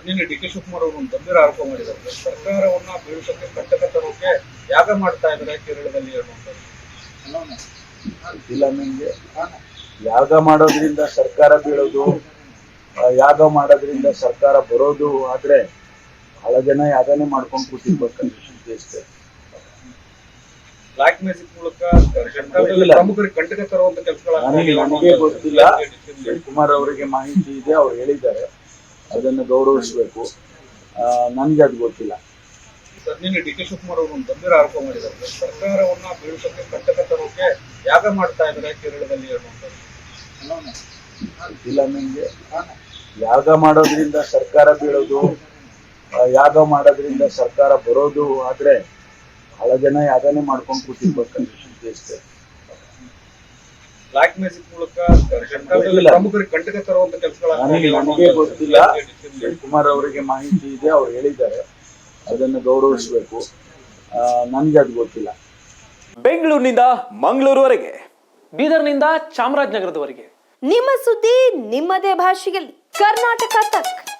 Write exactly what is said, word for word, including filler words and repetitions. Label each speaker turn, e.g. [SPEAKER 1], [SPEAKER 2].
[SPEAKER 1] ನಿನ್ನೆ D K Shivakumar ಅವರು ಒಂದು ಗಂಭೀರ ಆರೋಪ ಮಾಡಿದ್ದಾರೆ. ಸರ್ಕಾರವನ್ನ ಬೀಳಿಸೋಕೆ ಕಟ್ಟಕ ತರೋಕೆ ಯಾಗ ಮಾಡ್ತಾ ಇದ್ದಾರೆ ಕೇರಳದಲ್ಲಿ ಅನ್ನುವಂಥದ್ದು.
[SPEAKER 2] ಇಲ್ಲ, ನಿಮಗೆ ಯಾಗ ಮಾಡೋದ್ರಿಂದ ಸರ್ಕಾರ ಬೀಳೋದು, ಆ, ಯಾಗ ಮಾಡೋದ್ರಿಂದ ಸರ್ಕಾರ ಬರೋದು ಆದ್ರೆ ಬಹಳ ಜನ ಯಾಗನೇ ಮಾಡ್ಕೊಂಡು ಕೂತಿರ್ಬೇಕಂತ ಅಷ್ಟೇ.
[SPEAKER 1] ಬ್ಲಾಕ್ ಮ್ಯಾಜಿಕ್ ಮೂಲಕ ಸರ್ಕಾರದಲ್ಲಿ ಪ್ರಮುಖರಿಗೆ ಕಂಟಕ ತರುವಂತ
[SPEAKER 2] ನನಗೆ ನನಗೆ ಗೊತ್ತಿಲ್ಲ. ಶಿವಕುಮಾರ್ ಅವರಿಗೆ ಮಾಹಿತಿ ಇದೆ, ಅವ್ರು ಹೇಳಿದ್ದಾರೆ, ಅದನ್ನು ಗೌರವಿಸಬೇಕು. ನನ್ಗೆ ಅದು ಗೊತ್ತಿಲ್ಲ.
[SPEAKER 1] ಸರ್, ನಿನ್ನೆ ಡಿ ಕೆ ಶಿವಕುಮಾರ್ ಅವರು ಒಂದು ಗಂಭೀರ ಆರೋಪ ಮಾಡಿದ್ದಾರೆ. ಸರ್ಕಾರವನ್ನ ಬೀಳಿಸೋಕೆ ಕಟ್ಟಕ ತರೋಕೆ ಯಾಗ ಮಾಡ್ತಾ ಇದ್ದಾರೆ ಕೇರಳದಲ್ಲಿ ಅನ್ನುವಂಥದ್ದು.
[SPEAKER 2] ಇಲ್ಲ, ನಿಮಗೆ ಯಾಗ ಮಾಡೋದ್ರಿಂದ ಸರ್ಕಾರ ಬೀಳೋದು, ಆ, ಯಾಗ ಮಾಡೋದ್ರಿಂದ ಸರ್ಕಾರ ಬರೋದು ಆದ್ರೆ ಬಹಳ ಜನ ಯಾಗನೇ ಮಾಡ್ಕೊಂಡು ಕೂತಿರ್ಬೇಕಂತ ಅಷ್ಟೇ.
[SPEAKER 1] ಬ್ಲಾಕ್ ಮ್ಯಾಜಿಕ್ ಮೂಲಕ ಸರ್ಕಾರದಲ್ಲಿ ಪ್ರಮುಖರಿಗೆ ಕಂಟಕ ತರುವಂತ
[SPEAKER 2] ನನಗೆ ನನಗೆ ಗೊತ್ತಿಲ್ಲ. ಶಿವಕುಮಾರ್ ಅವರಿಗೆ ಮಾಹಿತಿ ಇದೆ, ಅವ್ರು ಹೇಳಿದ್ದಾರೆ, ಅದನ್ನು ಗೌರವಿಸಬೇಕು. ನನ್ಗೆ ಅದು ಗೊತ್ತಿಲ್ಲ.
[SPEAKER 3] ಬೆಂಗಳೂರಿನಿಂದ ಮಂಗಳೂರುವರೆಗೆ, ಬೀದರ್ನಿಂದ ಚಾಮರಾಜನಗರದವರೆಗೆ
[SPEAKER 4] ನಿಮ್ಮ ಸುದ್ದಿ ನಿಮ್ಮದೇ ಭಾಷೆಯಲ್ಲಿ ಕರ್ನಾಟಕ ತಕ್.